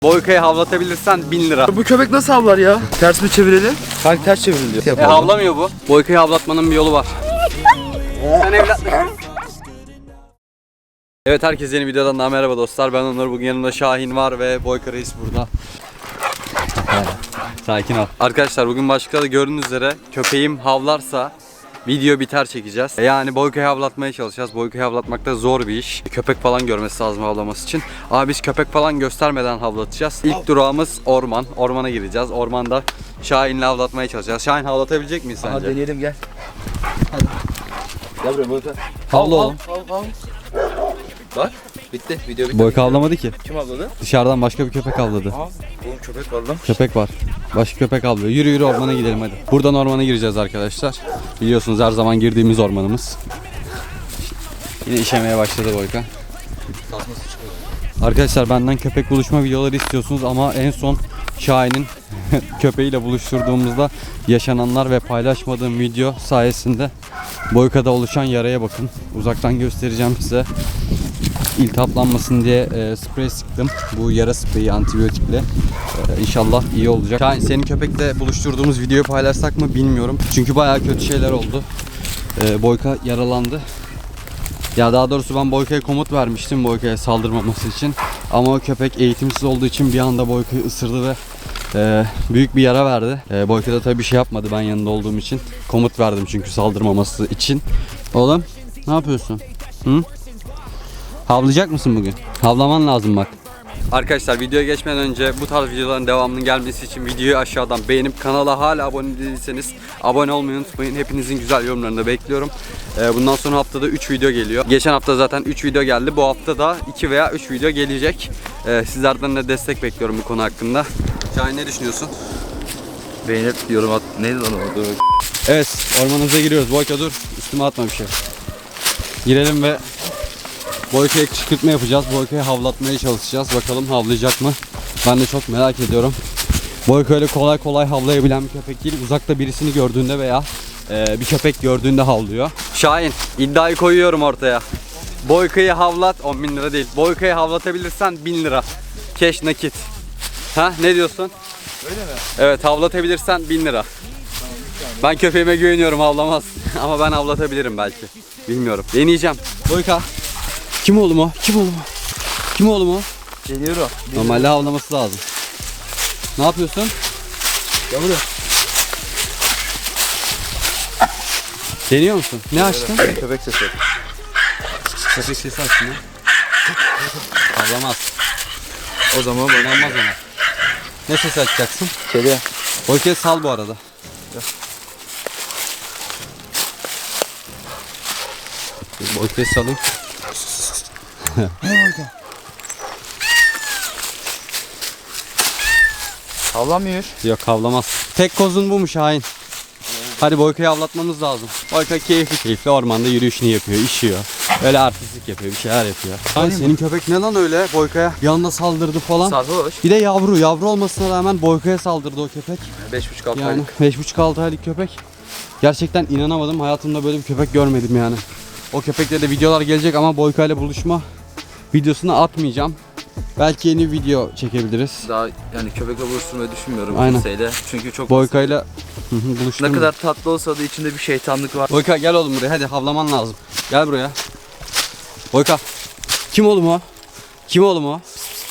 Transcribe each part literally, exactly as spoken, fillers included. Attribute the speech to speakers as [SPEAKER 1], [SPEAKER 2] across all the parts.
[SPEAKER 1] Boyka'yı havlatabilirsen bin lira.
[SPEAKER 2] Bu köpek nasıl havlar ya? Ters mi çevirelim? Sanki ters çevriliyor.
[SPEAKER 1] E havlamıyor bu. Boyka'yı havlatmanın bir yolu var. Sen evlatlık. Evet, herkese yeni videodan daha merhaba dostlar. Ben Onur. Bugün yanımda Şahin var ve Boyka Reis burada. Sakin ol. Arkadaşlar bugün başlıkta da gördüğünüz üzere köpeğim havlarsa video biter çekeceğiz. Yani Boyka'yı havlatmaya çalışacağız. Boyka'yı havlatmak da zor bir iş. Köpek falan görmesi lazım havlaması için. Ama biz köpek falan göstermeden havlatacağız. İlk durağımız orman. Ormana gireceğiz. Ormanda Şahin'le havlatmaya çalışacağız. Şahin havlatabilecek miyiz sence?
[SPEAKER 2] Hadi deneyelim, gel. Hadi. Gel buraya Boyka.
[SPEAKER 1] Havla oğlum.
[SPEAKER 2] Bak bitti, video bitti.
[SPEAKER 1] Boyka havlamadı ki.
[SPEAKER 2] Kim havladı?
[SPEAKER 1] Dışarıdan başka bir köpek havladı.
[SPEAKER 2] Aa, oğlum köpek var lan.
[SPEAKER 1] Köpek var. Başka köpek avlıyor. Yürü yürü ormana gidelim hadi. Buradan ormana gireceğiz arkadaşlar. Biliyorsunuz her zaman girdiğimiz ormanımız. Yine işemeye başladı Boyka. Arkadaşlar benden köpek buluşma videoları istiyorsunuz ama en son Şahin'in köpeğiyle buluşturduğumuzda yaşananlar ve paylaşmadığım video sayesinde Boyka'da oluşan yaraya bakın. Uzaktan göstereceğim size. İltihaplanmasın diye e, sprey sıktım. Bu yara spreyi antibiyotikle. E, İnşallah iyi olacak. Şahin, senin köpekle buluşturduğumuz videoyu paylaşsak mı bilmiyorum. Çünkü bayağı kötü şeyler oldu. E, Boyka yaralandı. Ya daha doğrusu ben Boyka'ya komut vermiştim Boyka'ya saldırmaması için. Ama o köpek eğitimsiz olduğu için bir anda Boyka'yı ısırdı ve e, büyük bir yara verdi. E, Boyka da tabii bir şey yapmadı ben yanında olduğum için. Komut verdim çünkü saldırmaması için. Oğlum ne yapıyorsun? Hı? Havlayacak mısın bugün? Havlaman lazım bak. Arkadaşlar videoya geçmeden önce bu tarz videoların devamının gelmesi için videoyu aşağıdan beğenip kanala hala abone değilseniz abone olmayı unutmayın. Hepinizin güzel yorumlarını da bekliyorum. Ee, bundan sonra haftada üç video geliyor. Geçen hafta zaten üç video geldi. Bu hafta da iki veya üç video gelecek. Ee, sizlerden de destek bekliyorum bu konu hakkında. Şahin, ne düşünüyorsun?
[SPEAKER 2] Beğenip yorum at. Neydi lan o? Dur.
[SPEAKER 1] Evet, ormanımıza giriyoruz. Boyka dur, üstüme atma bir şey. Girelim ve Boyka'ya kışkırtma yapacağız. Boyka'yı havlatmaya çalışacağız. Bakalım havlayacak mı? Ben de çok merak ediyorum. Boyka öyle kolay kolay havlayabilen bir köpek değil. Uzakta birisini gördüğünde veya e, bir köpek gördüğünde havlıyor. Şahin, iddiayı koyuyorum ortaya. Boyka'yı havlat, on bin lira değil. Boyka'yı havlatabilirsen bin lira. Keş nakit. Ha, ne diyorsun?
[SPEAKER 2] Öyle mi?
[SPEAKER 1] Evet, havlatabilirsen bin lira. Ben köpeğime güveniyorum, havlamaz. Ama ben havlatabilirim belki. Bilmiyorum. Deneyeceğim. Boyka. Kim oğlum o? Kim oğlum o? Kim oğlum o?
[SPEAKER 2] Geliyor o.
[SPEAKER 1] Normalde havlaması lazım. Ne yapıyorsun?
[SPEAKER 2] Gel buraya.
[SPEAKER 1] Deniyor musun? Ne açtın?
[SPEAKER 2] Köpek sesi.
[SPEAKER 1] Köpek sesi açtın ya. Havlamaz.
[SPEAKER 2] O zaman
[SPEAKER 1] Oynanmaz ona. Ne sesi açacaksın?
[SPEAKER 2] kedi.
[SPEAKER 1] Boyka'yı sal bu arada. Boyka'yı salayım.
[SPEAKER 2] Ne Boyka? Havlamıyor.
[SPEAKER 1] Yok, havlamaz. Tek kozun bu mu Şahin? Hadi Boyka'yı avlatmamız lazım. Boyka keyifli keyifli ormanda yürüyüşünü yapıyor, işiyor. Öyle artistlik yapıyor, bir şeyler yapıyor. Şahin, senin köpek ne lan öyle Boyka'ya? Bir anda saldırdı falan.
[SPEAKER 2] Sarhoş.
[SPEAKER 1] Bir de yavru, yavru olmasına rağmen Boyka'ya saldırdı o köpek.
[SPEAKER 2] beş buçuk altı
[SPEAKER 1] Yani
[SPEAKER 2] aylık.
[SPEAKER 1] beş buçuk altı aylık köpek. Gerçekten inanamadım. Hayatımda böyle bir köpek görmedim yani. O köpekle de videolar gelecek ama Boyka ile buluşma videosunu atmayacağım. Belki yeni video çekebiliriz.
[SPEAKER 2] Daha yani köpekle buluşturmayı düşünmüyorum
[SPEAKER 1] Aynen.
[SPEAKER 2] kimseyle. Çünkü çok
[SPEAKER 1] Boyka ile buluşturma.
[SPEAKER 2] ne kadar tatlı olsa da içinde bir şeytanlık var.
[SPEAKER 1] Boyka gel oğlum buraya, hadi havlaman lazım. Gel buraya. Boyka. Kim oğlum o? Kim oğlum o?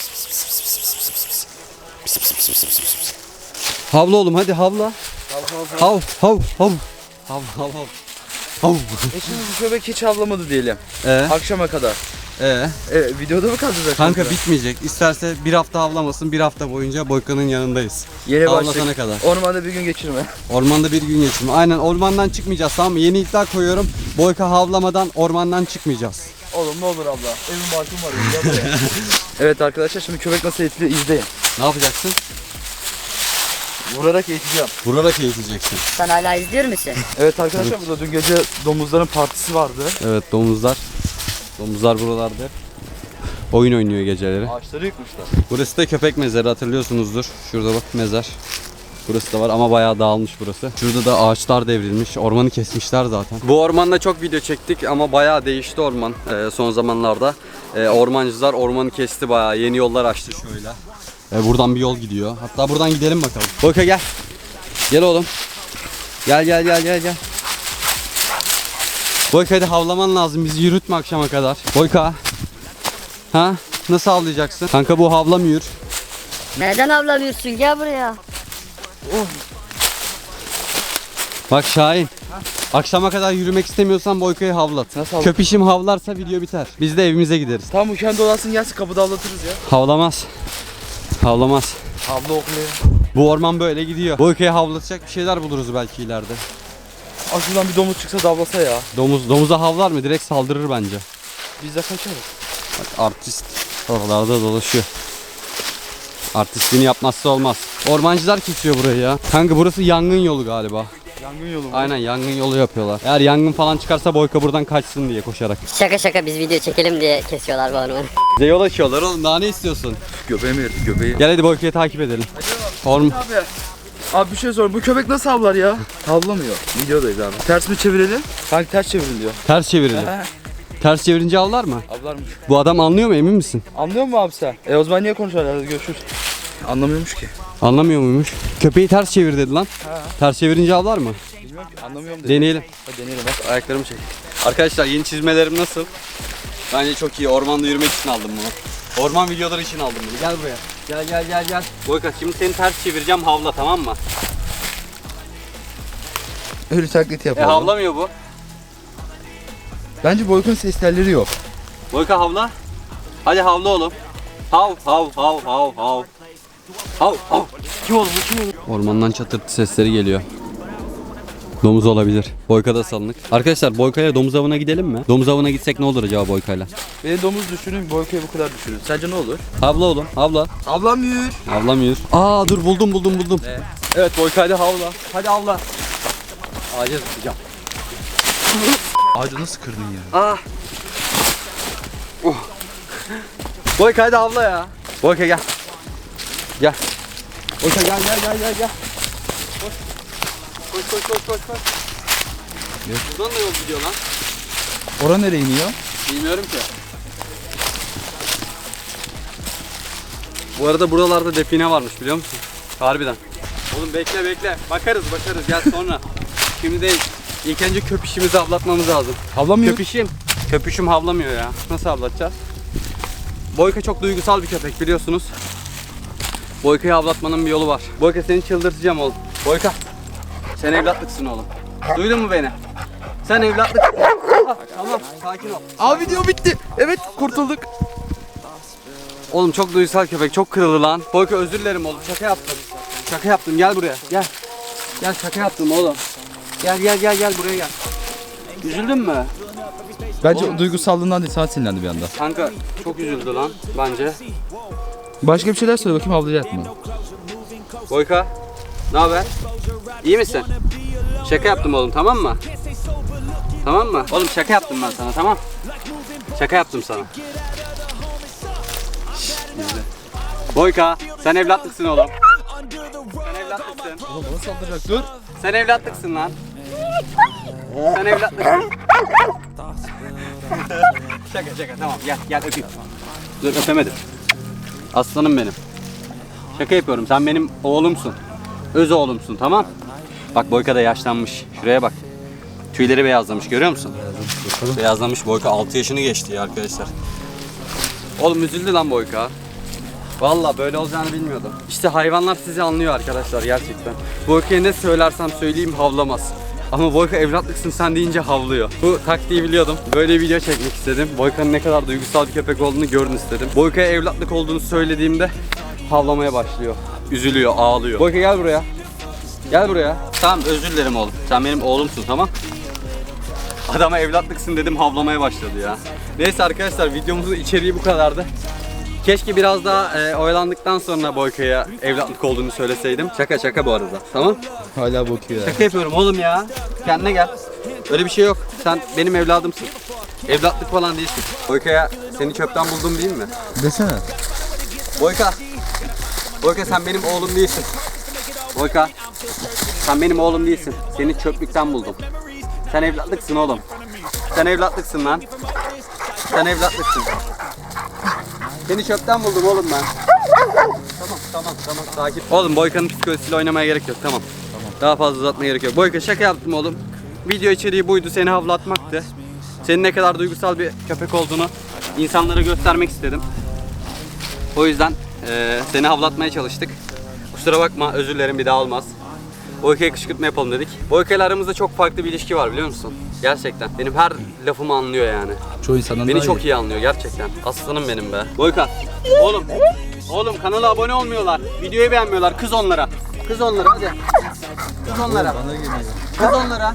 [SPEAKER 1] Havla oğlum, hadi havla. Hav hav hav. Hav hav hav. Hav.
[SPEAKER 2] E şimdi bu köpek hiç havlamadı diyelim.
[SPEAKER 1] Ee,
[SPEAKER 2] Akşama kadar.
[SPEAKER 1] ee.
[SPEAKER 2] E, videoda mı kalacak?
[SPEAKER 1] Kanka bitmeyecek. İsterse bir hafta havlamasın, bir hafta boyunca Boyka'nın yanındayız.
[SPEAKER 2] Yeni
[SPEAKER 1] Havlasana
[SPEAKER 2] başlık.
[SPEAKER 1] kadar.
[SPEAKER 2] Ormanda bir gün geçirme.
[SPEAKER 1] Ormanda bir gün geçirme. Aynen, ormandan çıkmayacağız, tamam mı? Yeni iddia koyuyorum. Boyka havlamadan ormandan çıkmayacağız.
[SPEAKER 2] Oğlum ne olur abla. Evin barkım var. Ya, evet arkadaşlar, şimdi köpek nasıl eğitiliyor izleyin.
[SPEAKER 1] Ne yapacaksın?
[SPEAKER 2] Vurarak eğiteceğim.
[SPEAKER 1] Vurarak eğiteceksin.
[SPEAKER 3] Sen hala izliyor musun?
[SPEAKER 2] Evet arkadaşlar, burada dün gece domuzların partisi vardı.
[SPEAKER 1] Evet, domuzlar. Domuzlar buralarda. Oyun oynuyor geceleri.
[SPEAKER 2] Ağaçları yıkmışlar.
[SPEAKER 1] Burası da köpek mezarı, hatırlıyorsunuzdur. Şurada bak mezar. Burası da var ama bayağı dağılmış burası. Şurada da ağaçlar devrilmiş. Ormanı kesmişler zaten. Bu ormanda çok video çektik ama bayağı değişti orman e, son zamanlarda. E, ormancılar ormanı kesti bayağı. Yeni yollar açtı şöyle. E, buradan bir yol gidiyor. Hatta buradan gidelim bakalım. Boyka gel. Gel oğlum. Gel gel gel gel gel. Boyka hadi havlaman lazım. Bizi yürütme akşama kadar. Boyka. Ha? Nasıl havlayacaksın? Kanka bu havlamıyor.
[SPEAKER 3] Neden avlamıyorsun? Gel buraya.
[SPEAKER 1] Bak Şahin. Akşama kadar yürümek istemiyorsan Boyka'yı havlat.
[SPEAKER 2] Nasıl havlat-
[SPEAKER 1] Köpişim havlarsa video biter. Biz de evimize gideriz.
[SPEAKER 2] Tamam bu kendi olasın gelsin kapıda avlatırız ya.
[SPEAKER 1] Havlamaz. Havlamaz.
[SPEAKER 2] Havla okluyor.
[SPEAKER 1] Bu orman böyle gidiyor. Boyka'yı havlatacak bir şeyler buluruz belki ileride.
[SPEAKER 2] Aa şuradan bir domuz çıksa davlasa ya.
[SPEAKER 1] Domuz domuza havlar mı? Direkt saldırır bence.
[SPEAKER 2] Biz de kaçarız.
[SPEAKER 1] Bak artist oralarda dolaşıyor. Artistliğini yapmazsa olmaz. Ormancılar kesiyor burayı ya. Kanka burası yangın yolu galiba.
[SPEAKER 2] Yangın yolu mu?
[SPEAKER 1] Aynen yangın yolu yapıyorlar. Eğer yangın falan çıkarsa Boyka buradan kaçsın diye koşarak.
[SPEAKER 3] Şaka şaka biz video çekelim diye kesiyorlar bu ormanı.
[SPEAKER 1] Bize yol açıyorlar oğlum, daha ne istiyorsun?
[SPEAKER 2] Göbeğimi yedi göbeği.
[SPEAKER 1] Gel hadi Boyka'yı takip edelim. Orm
[SPEAKER 2] Abi. Abi bir şey sor. Bu köpek nasıl havlar ya? Havlamıyor. Videodayız abi. Ters mi çevirelim? Kanka ters çevirin diyor.
[SPEAKER 1] Ters çevirelim.
[SPEAKER 2] He.
[SPEAKER 1] Ters çevirince avlar mı?
[SPEAKER 2] Avlarmış.
[SPEAKER 1] Bu adam anlıyor mu, emin misin?
[SPEAKER 2] Anlıyor musun abi sen? E o zaman niye konuşuyorlar? Hadi görüşürüz. Anlamıyormuş ki.
[SPEAKER 1] Anlamıyor muymuş? Köpeği ters çevir dedi lan.
[SPEAKER 2] Ha.
[SPEAKER 1] Ters çevirince avlar mı?
[SPEAKER 2] Bilmiyorum ki. Anlamıyorum dedi.
[SPEAKER 1] Deneyelim.
[SPEAKER 2] Hadi deneyelim bak.
[SPEAKER 1] Ayaklarımı çek. Arkadaşlar yeni çizmelerim nasıl? Bence çok iyi. Ormanda yürümek için aldım bunu. Orman videoları için aldım bunu. Gel buraya. Gel gel gel gel. Boyka şimdi seni ters çevireceğim, havla, tamam mı?
[SPEAKER 2] Öyle taklit
[SPEAKER 1] E
[SPEAKER 2] yapalım.
[SPEAKER 1] havlamıyor bu.
[SPEAKER 2] Bence Boyka'nın ses telleri yok.
[SPEAKER 1] Boyka havla. Hadi havla oğlum. Hav hav hav hav hav. Hav hav. Kim oğlum bu, kim oğlum? Ormandan çatırtı sesleri geliyor. Domuz olabilir. Boyka da salınık. Arkadaşlar Boyka'ya domuz avına gidelim mi? Domuz avına gitsek ne olur acaba Boyka'yla?
[SPEAKER 2] Beni domuz düşünün, Boyka'yı bu kadar düşünün. Sence ne olur?
[SPEAKER 1] Havla oğlum, havla.
[SPEAKER 2] Avlamıyor.
[SPEAKER 1] Havlamıyor. Aa dur, buldum buldum buldum.
[SPEAKER 2] Ne?
[SPEAKER 1] Evet Boyka'yla havla. Hadi havla. Ağaca zıplayacağım.
[SPEAKER 2] Ağacı nasıl kırdın ya?
[SPEAKER 1] Ah. Oh. Boyka hadi havla ya. Boyka gel. Gel. Boyka gel gel gel gel gel. Koş. Koş koş koş koş koş.
[SPEAKER 2] Ne?
[SPEAKER 1] Buradan da yol gidiyor lan.
[SPEAKER 2] Ora nereye iniyor?
[SPEAKER 1] Bilmiyorum ki. Bu arada buralarda define varmış, biliyor musun? Harbiden. Oğlum bekle bekle. Bakarız bakarız, gel sonra. Şimdi değil. İlk önce köpüşümüzü avlatmamız lazım.
[SPEAKER 2] Havlamıyor.
[SPEAKER 1] Köpüşüm. Köpüşüm havlamıyor ya. Nasıl avlatacağız? Boyka çok duygusal bir köpek, biliyorsunuz. Boyka'yı avlatmanın bir yolu var. Boyka seni çıldırtacağım oğlum. Boyka. Sen evlatlıksın oğlum. Duydun mu beni? Sen evlatlık. Tamam, sakin ol.
[SPEAKER 2] Aa video bitti. Evet kurtulduk.
[SPEAKER 1] Oğlum çok duygusal köpek, çok kırıldı lan. Boyka özür dilerim oğlum, şaka yaptım. Şaka yaptım, gel buraya, gel. Gel, şaka yaptım oğlum. Gel gel gel gel buraya gel. Üzüldün mü?
[SPEAKER 2] Bence o duygusallığından değil, sana sinirlendi bir anda.
[SPEAKER 1] Kanka çok üzüldü lan bence.
[SPEAKER 2] Başka bir şeyler söyle bakayım, havlayacak mı?
[SPEAKER 1] Boyka, ne haber? İyi misin? Şaka yaptım oğlum, tamam mı? Tamam mı? Oğlum şaka yaptım ben sana, tamam? Şaka yaptım sana. Şşş, izle. Boyka, sen evlatlıksın oğlum. Sen evlatlıksın.
[SPEAKER 2] Oğlum bana saldıracak, dur.
[SPEAKER 1] Sen evlatlıksın lan. Sen evlatlıksın. Şaka şaka, tamam, gel gel öpeyim. Dur, öpemedim. Aslanım benim. Şaka yapıyorum, sen benim oğlumsun. Öz oğlumsun, tamam? Bak Boyka da yaşlanmış. Şuraya bak. Tüyleri beyazlamış, görüyor musun? Beyazlamış. Boyka altı yaşını geçti ya arkadaşlar. Oğlum üzüldü lan Boyka. Vallahi böyle olacağını bilmiyordum. İşte hayvanlar sizi anlıyor arkadaşlar gerçekten. Boyka'ya ne söylersem söyleyeyim havlamaz. Ama Boyka evlatlıksın sen deyince havlıyor. Bu taktiği biliyordum. Böyle bir video çekmek istedim. Boyka'nın ne kadar duygusal bir köpek olduğunu görün istedim. Boyka'ya evlatlık olduğunu söylediğimde havlamaya başlıyor. Üzülüyor, ağlıyor. Boyka gel buraya. Gel buraya. Tamam, özür dilerim oğlum. Sen benim oğlumsun, tamam? Adama evlatlıksın dedim, havlamaya başladı ya. Neyse arkadaşlar, videomuzun içeriği bu kadardı. Keşke biraz daha e, oyalandıktan sonra Boyka'ya evlatlık olduğunu söyleseydim. Şaka şaka bu arada, tamam?
[SPEAKER 2] Hala bakıyor ya.
[SPEAKER 1] Şaka yapıyorum oğlum ya. Kendine gel. Öyle bir şey yok. Sen benim evladımsın. Evlatlık falan değilsin. Boyka'ya seni çöpten buldum değil mi?
[SPEAKER 2] Desene.
[SPEAKER 1] Boyka. Boyka sen benim oğlum değilsin. Boyka. Sen benim oğlum değilsin. Seni çöplükten buldum. Sen evlatlıksın oğlum. Sen evlatlıksın lan. Sen evlatlıksın. Seni çöpten buldum oğlum ben. Tamam. Tamam tamam sakin. Oğlum Boyka'nın psikolojisiyle oynamaya gerek yok tamam. Tamam. Daha fazla uzatmaya gerek yok. Boyka şaka yaptım oğlum. Video içeriği buydu, seni havlatmaktı. Senin ne kadar duygusal bir köpek olduğunu insanlara göstermek istedim. O yüzden e, seni havlatmaya çalıştık. Kusura bakma, özür dilerim, bir daha olmaz. Boyka'ya kışkırtma yapalım dedik. Boyka ile aramızda çok farklı bir ilişki var biliyor musun? Gerçekten. Benim her lafımı anlıyor yani.
[SPEAKER 2] Çoğu insandan
[SPEAKER 1] Beni
[SPEAKER 2] daha
[SPEAKER 1] çok
[SPEAKER 2] iyi.
[SPEAKER 1] iyi anlıyor gerçekten. Aslanım benim be. Boyka. Oğlum. Oğlum kanala abone olmuyorlar. Videoyu beğenmiyorlar. Kız onlara. Kız onlara hadi. Kız onlara. Kız onlara.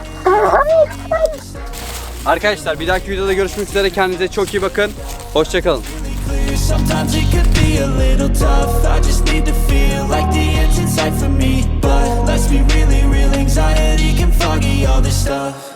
[SPEAKER 1] Arkadaşlar bir dahaki videoda görüşmek üzere. Kendinize çok iyi bakın. Hoşçakalın.
[SPEAKER 4] Sometimes it could be a little tough. I just need to feel like the end's in sight for me. But let's be really real, anxiety can foggy all this stuff.